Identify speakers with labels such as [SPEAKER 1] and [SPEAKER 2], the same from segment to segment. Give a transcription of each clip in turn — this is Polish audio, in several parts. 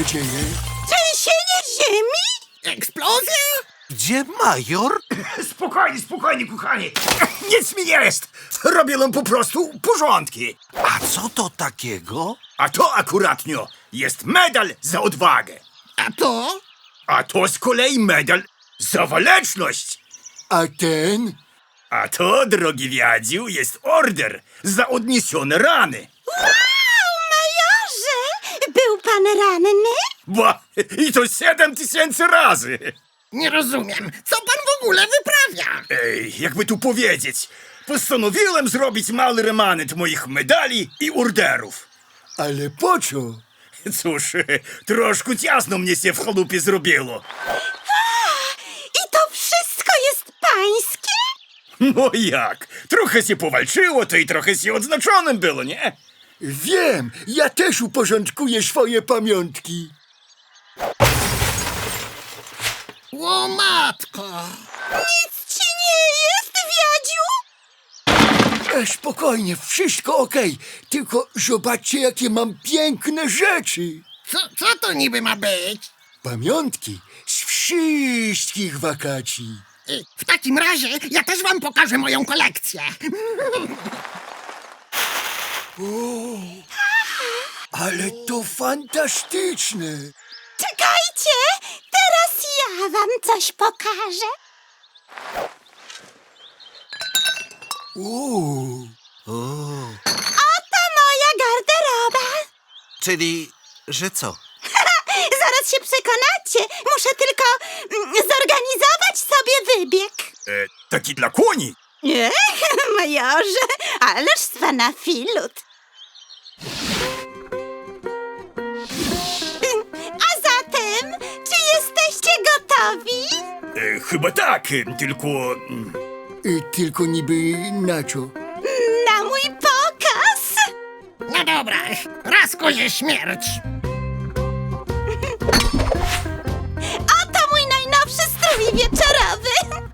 [SPEAKER 1] się dzieje?
[SPEAKER 2] Trzęsienie ziemi?
[SPEAKER 3] Eksplozja?
[SPEAKER 4] Gdzie major?
[SPEAKER 3] Spokojnie, spokojnie, kochani. Nic mi nie jest. Robiłem po prostu porządki.
[SPEAKER 4] A co to takiego?
[SPEAKER 3] A to akuratnio jest medal za odwagę.
[SPEAKER 2] A to?
[SPEAKER 3] A to z kolei medal za waleczność.
[SPEAKER 1] A ten?
[SPEAKER 3] A to, drogi Wiadziu, jest order za odniesione rany.
[SPEAKER 2] Wow, majorze! Był pan ranny?
[SPEAKER 3] Ba, i to 7000 razy.
[SPEAKER 2] Nie rozumiem. Co pan w ogóle wyprawia?
[SPEAKER 3] Ej, jakby tu powiedzieć, postanowiłem zrobić mały remanent moich medali i orderów.
[SPEAKER 1] Ale po co?
[SPEAKER 3] Cóż, troszkę ciasno mnie się w chalupie zrobiło.
[SPEAKER 2] I to wszystko jest pańskie?
[SPEAKER 3] No jak? Trochę się powalczyło, to i trochę się odznaczonym było, nie?
[SPEAKER 1] Wiem, ja też uporządkuję swoje pamiątki.
[SPEAKER 2] O matko! Nic ci nie jest, Wiadziu?
[SPEAKER 1] Spokojnie, wszystko okej. Tylko zobaczcie, jakie mam piękne rzeczy.
[SPEAKER 2] Co to niby ma być?
[SPEAKER 1] Pamiątki z wszystkich wakacji.
[SPEAKER 2] W takim razie ja też wam pokażę moją kolekcję.
[SPEAKER 1] Ale to fantastyczne.
[SPEAKER 2] Czekajcie! Teraz ja wam coś pokażę. Oto moja garderoba.
[SPEAKER 4] Czyli, że co?
[SPEAKER 2] Zaraz się przekonacie. Muszę tylko zorganizować sobie wybieg.
[SPEAKER 3] Taki dla koni.
[SPEAKER 2] Nie, majorze, ależ z pana filut. A zatem, czy jesteście gotowi?
[SPEAKER 3] Chyba tak, tylko...
[SPEAKER 1] Tylko niby na co?
[SPEAKER 2] Na mój pokaz? No dobra, raz kozie śmierć. Oto mój najnowszy strój wieczorowy.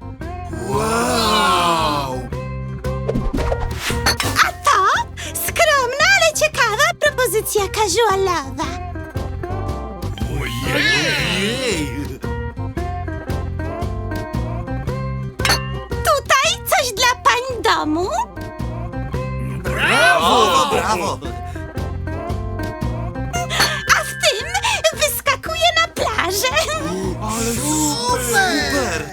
[SPEAKER 1] Wow!
[SPEAKER 2] A to skromna, ale ciekawa propozycja casualowa. Tutaj coś dla pań domu.
[SPEAKER 4] Brawo, brawo!
[SPEAKER 2] A w tym wyskakuje na plażę.
[SPEAKER 4] Ale super!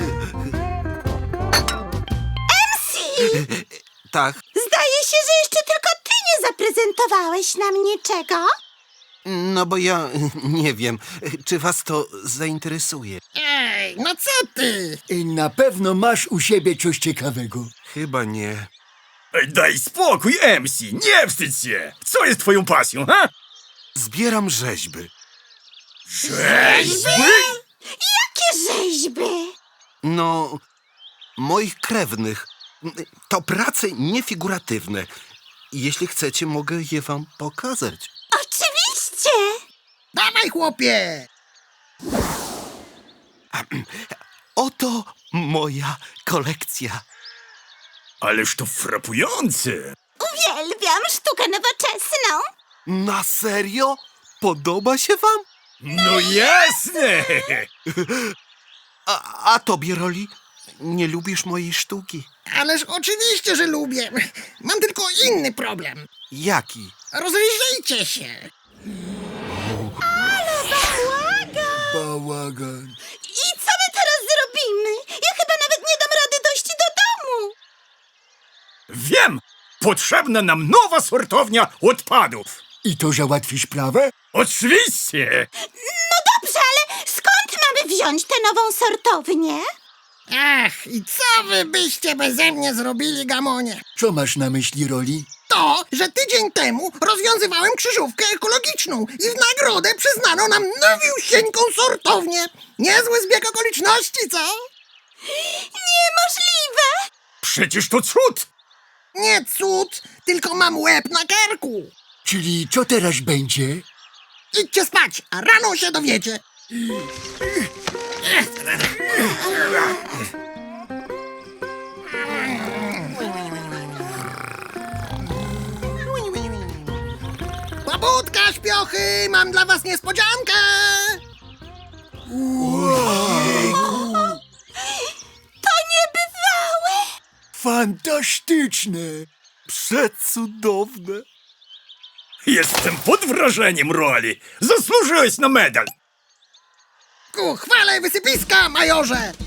[SPEAKER 2] MC!
[SPEAKER 4] Tak,
[SPEAKER 2] Zdaje się, że jeszcze tylko ty nie zaprezentowałeś nam niczego.
[SPEAKER 4] no bo ja nie wiem, czy was to zainteresuje.
[SPEAKER 2] Ej, no co ty?
[SPEAKER 1] Na pewno masz u siebie coś ciekawego.
[SPEAKER 4] Chyba nie.
[SPEAKER 3] Daj spokój, MC, nie wstydź się. Co jest twoją pasją, ha?
[SPEAKER 4] Zbieram rzeźby.
[SPEAKER 3] Rzeźby?
[SPEAKER 2] Jakie rzeźby?
[SPEAKER 4] No, moich krewnych. To prace niefiguratywne. Jeśli chcecie, mogę je wam pokazać.
[SPEAKER 2] Oczywiście. Dawaj, chłopie.
[SPEAKER 4] Oto moja kolekcja.
[SPEAKER 3] Ależ to frapujące.
[SPEAKER 2] Uwielbiam sztukę nowoczesną.
[SPEAKER 4] Na serio? Podoba się wam?
[SPEAKER 3] No jasne.
[SPEAKER 4] A tobie, Roli? Nie lubisz mojej sztuki?
[SPEAKER 5] Ależ oczywiście, że lubię. Mam tylko inny problem.
[SPEAKER 4] Jaki?
[SPEAKER 5] Rozejrzyjcie się.
[SPEAKER 1] Bałagan.
[SPEAKER 2] I co my teraz zrobimy? Ja chyba nawet nie dam rady dojść do domu.
[SPEAKER 3] Wiem, potrzebna nam nowa sortownia odpadów.
[SPEAKER 1] I to załatwi sprawę?
[SPEAKER 3] Oczywiście.
[SPEAKER 2] No dobrze, ale skąd mamy wziąć tę nową sortownię?
[SPEAKER 5] Ach, i co wy byście beze mnie zrobili, Gamonie?
[SPEAKER 1] Co masz na myśli, Roli?
[SPEAKER 5] To, że tydzień temu rozwiązywałem krzyżówkę ekologiczną i w nagrodę przyznano nam nowiusieńką sortownię. Niezły zbieg okoliczności, co?
[SPEAKER 2] Niemożliwe!
[SPEAKER 3] Przecież to cud.
[SPEAKER 5] Nie cud, tylko mam łeb na karku.
[SPEAKER 1] Czyli co teraz będzie?
[SPEAKER 5] Idźcie spać, a rano się dowiecie. Pobudka! śpiochy, mam dla was niespodziankę!
[SPEAKER 2] To niebywałe!
[SPEAKER 1] Fantastyczne.
[SPEAKER 4] Przecudowne.
[SPEAKER 3] Jestem pod wrażeniem roli. Zasłużyłeś na medal.
[SPEAKER 5] Ku chwale wysypiska, majorze!